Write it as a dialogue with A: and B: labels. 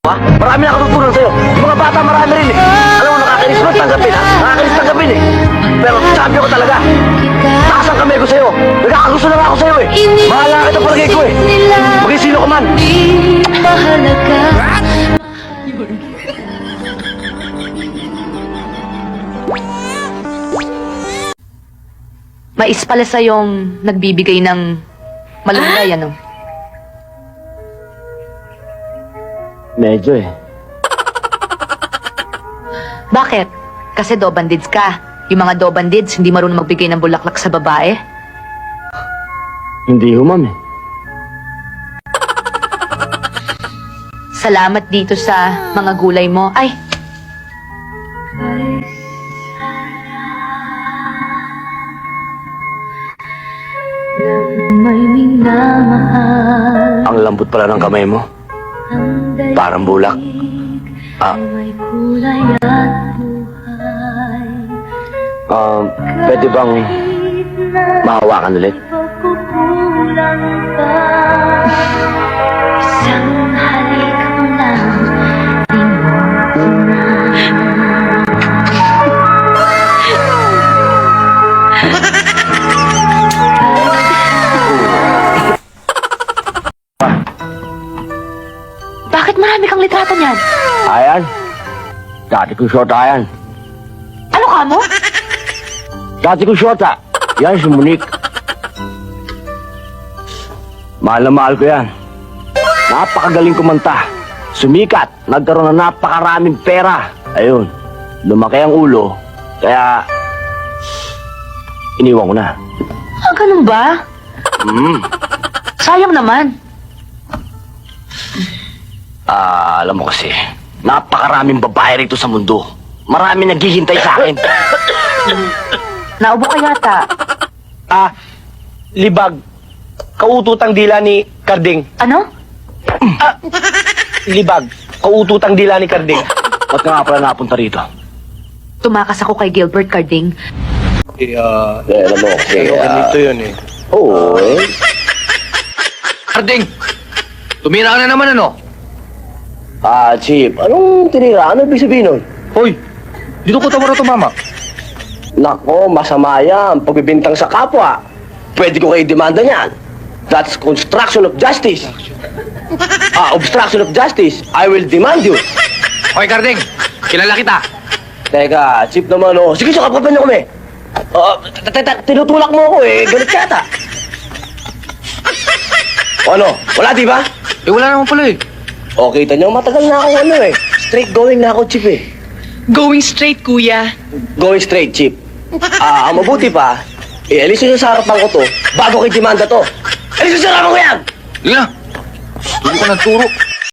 A: Ha? Marami na katutunan sa'yo. Yung mga bata marami rin eh. Alam mo, nakakainis mo tanggapin ha? Nakakainis tanggapin eh. Pero champion ko talaga. Taas ang kamay ko sa'yo. Nagkakagusto na nga ako sa'yo eh. Mahal na kita palagay ko eh. Maging sino ka man.
B: Mais pala sa'yong nagbibigay ng malunggay, ano?
A: Medyo eh.
B: Bakit? Kasi dobandids ka. Yung mga dobandids, hindi marunong magbigay ng bulaklak sa babae.
A: Hindi ho, ma'am eh.
B: Salamat dito sa mga gulay mo. Ay! May minamahal.
A: Ang lambot pala ng kamay mo. Parang bulak.
B: May kulay at buhay.
A: Pwede bang mahawakan ulit?
B: Pagkukulang pa. Isang halik mo lang. Di mo Bakit marami kang litrato niyan?
A: Ayan. Dati ko shota yan.
B: Ano ka mo?
A: Dati ko shota. Yan si Monique. Mahal na mahal ko yan. Napakagaling kumanta. Sumikat. Nagkaroon ng napakaraming pera. Ayun. Lumaki ang ulo. Kaya... iniwan ko na.
B: Ah, ganun ba? Sayang naman.
A: Alam mo kasi, napakaraming babae rito sa mundo. Marami naghihintay sa akin.
B: Naubo ka yata.
C: Libag. Kaututang dila ni Karding.
B: Ano?
C: Libag. Kaututang dila ni Karding.
A: Ba't ka nga pala napunta rito?
B: Tumakas ako kay Gilbert Carding.
A: Alam mo kasi...
C: Ganito yun eh.
A: Oo eh.
D: Karding! Tumira ka na naman ano?
A: Chip, anong tinira? Ano ibig sabihin nun?
D: Hoy! Dito ko tawara tumama.
A: Nako, masama yan. Pagbibintang sa kapwa. Pwede ko kayo demanda niyan. That's construction of justice. Obstruction of justice. I will demand you.
D: Hoy Karding! Kilala kita!
A: Teka, Chip naman oh. Sige, sakapapan niyo kami. Tinutulak mo ako eh. Galit yata. Ano? Wala, di ba?
D: Eh wala naman pala eh.
A: Kita niyo, matagal na ako straight going na ako, Chip eh.
E: Going straight, kuya.
A: Going straight, Chip. Ang mabuti pa, alis nyo sa harapan ko to, bago kay demanda to. Alis nyo sa harapan ko yan!
D: Sige na! Turo ka ng turo.